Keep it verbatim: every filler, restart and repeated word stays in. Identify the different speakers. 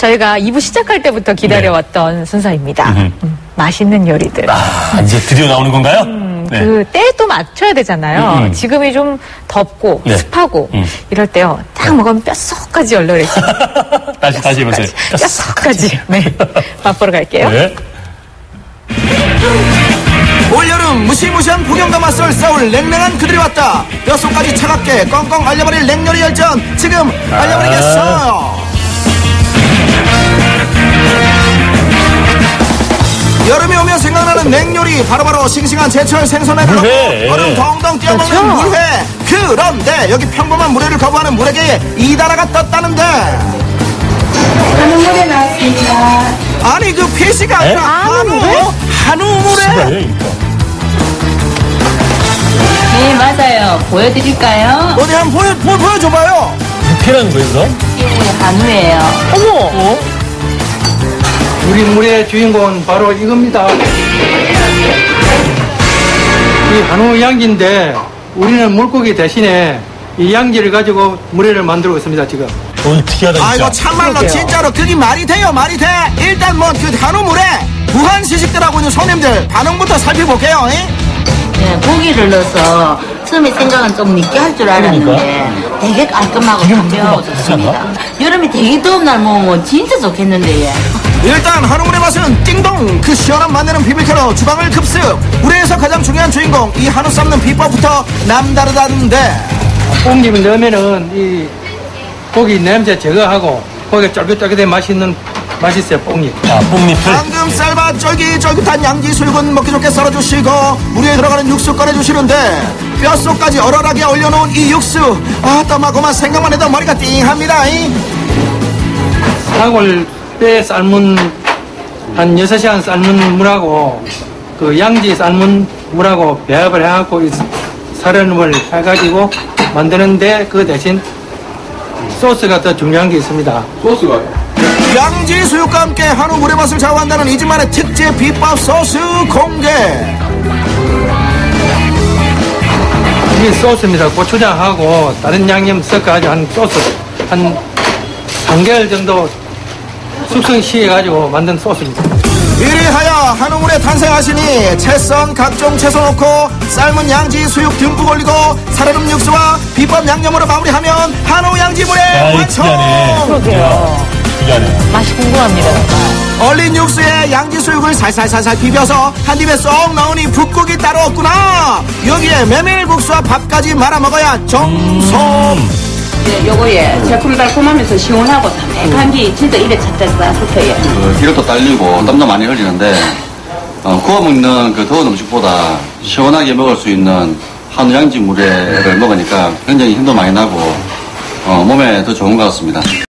Speaker 1: 저희가 이 부 시작할 때부터 기다려왔던 네. 순서입니다. 음, 맛있는 요리들.
Speaker 2: 아, 이제 드디어 나오는 건가요?
Speaker 1: 음,
Speaker 2: 네.
Speaker 1: 그 때도 맞춰야 되잖아요.
Speaker 2: 음, 음.
Speaker 1: 지금이 좀 덥고
Speaker 2: 네.
Speaker 1: 습하고
Speaker 2: 음.
Speaker 1: 이럴 때요. 딱 먹으면 뼛속까지 얼얼해지.
Speaker 2: 다시 다시 해보세요.
Speaker 1: 뼛속까지. 네, 맛보러 갈게요.
Speaker 2: 네.
Speaker 3: 올여름 무시무시한 폭염과 맞설 싸울 냉랭한 그들이 왔다. 뼛속까지 차갑게 꽁꽁 얼려버릴 냉요리 열전 지금 알려버리겠어요. 여름이 오면 생각나는 냉요리 바로바로 싱싱한 제철 생선에 넣고 얼음 덩덩 뛰어먹는
Speaker 1: 그렇죠.
Speaker 3: 물회. 그런데 여기 평범한 물회를 거부하는 물회계에 이다라가 떴다는데
Speaker 4: 한우 물회 나왔습니다.
Speaker 3: 아니 그 피시가 아니라 한우 한우 물회.
Speaker 4: 네, 맞아요. 보여드릴까요?
Speaker 3: 어디 한번 보여, 보여, 보여줘봐요.
Speaker 2: 육회라는 거에서?
Speaker 4: 예, 한우예요.
Speaker 1: 어머!
Speaker 2: 어?
Speaker 5: 우리 물의 주인공은 바로 이겁니다. 이 한우 양지인데 우리는 물고기 대신에 이 양지를 가지고 물회를 만들고 있습니다, 지금.
Speaker 2: 오늘 특이하다, 진짜.
Speaker 3: 아이고 참말로
Speaker 1: 그러게요.
Speaker 3: 진짜로 그게 말이 돼요 말이 돼. 일단 뭐 그 한우 물회 무한 시식들하고 있는 손님들 반응부터 살펴볼게요. 잉?
Speaker 4: 네, 고기를 넣어서 처음에 생각은 좀 늦게 할 줄 알았는데 되게 깔끔하고 담백하고 좋습니다. 여름에 되게 더운 날 먹으면 진짜 좋겠는데 예.
Speaker 3: 일단 한우물의 맛은 띵동 그 시원한 맛내는 비비큐로 주방을 급습. 물회에서 가장 중요한 주인공 이 한우 삶는 비법부터 남다르다는데
Speaker 5: 뽕잎을 넣으면은 이 고기 냄새 제거하고 고기가 쫄깃쫄깃해 맛있는 맛이 있어요, 뽕잎.
Speaker 2: 아, 뽕잎을.
Speaker 3: 방금 삶아 쫄깃쫄깃한 양지 수육은 먹기 좋게 썰어주시고 물에 들어가는 육수 꺼내주시는데 뼛속까지 얼얼하게 올려놓은 이 육수 아 떠마고만 생각만 해도 머리가 띵합니다. 잉?
Speaker 5: 사골 뼈 삶은 한 여섯 시간 삶은 물하고 그 양지 삶은 물하고 배합을 해갖고 이 살얼음을 해가지고 만드는데 그 대신 소스가 더 중요한 게 있습니다. 소스가요?
Speaker 3: 양지 수육과 함께 한우 물의 맛을 좌우한다는 이 집만의 특제 비법 소스 공개.
Speaker 5: 이게 소스입니다. 고추장하고 다른 양념 섞어가지고 한 소스 한 삼 개월 정도 숙성시켜가지고 만든 소스입니다.
Speaker 3: 이리하여 한우물에 탄생하시니 채썬 각종 채소 넣고 삶은 양지 수육 듬뿍 올리고 살얼음 육수와 비법 양념으로 마무리하면 한우 양지물의
Speaker 2: 아이,
Speaker 3: 완성.
Speaker 2: 특이하네.
Speaker 1: 그러게요.
Speaker 2: 특이하네.
Speaker 1: 맛이 궁금합니다. 정말.
Speaker 3: 얼린 육수에 양지 수육을 살살살살 비벼서 한 입에 쏙 넣으니 붓국이 따로 없구나. 여기에 메밀국수와 밥까지 말아 먹어야 정성.
Speaker 2: 음.
Speaker 4: 예, 요거에 새콤달콤하면서 시원하고 담백한 게 진짜 입에 착착 붙어요.
Speaker 6: 그 기력도 딸리고 땀도 많이 흘리는데 어, 구워 먹는 그 더운 음식보다 시원하게 먹을 수 있는 한우 양지 물회를 먹으니까 굉장히 힘도 많이 나고 어, 몸에 더 좋은 것 같습니다.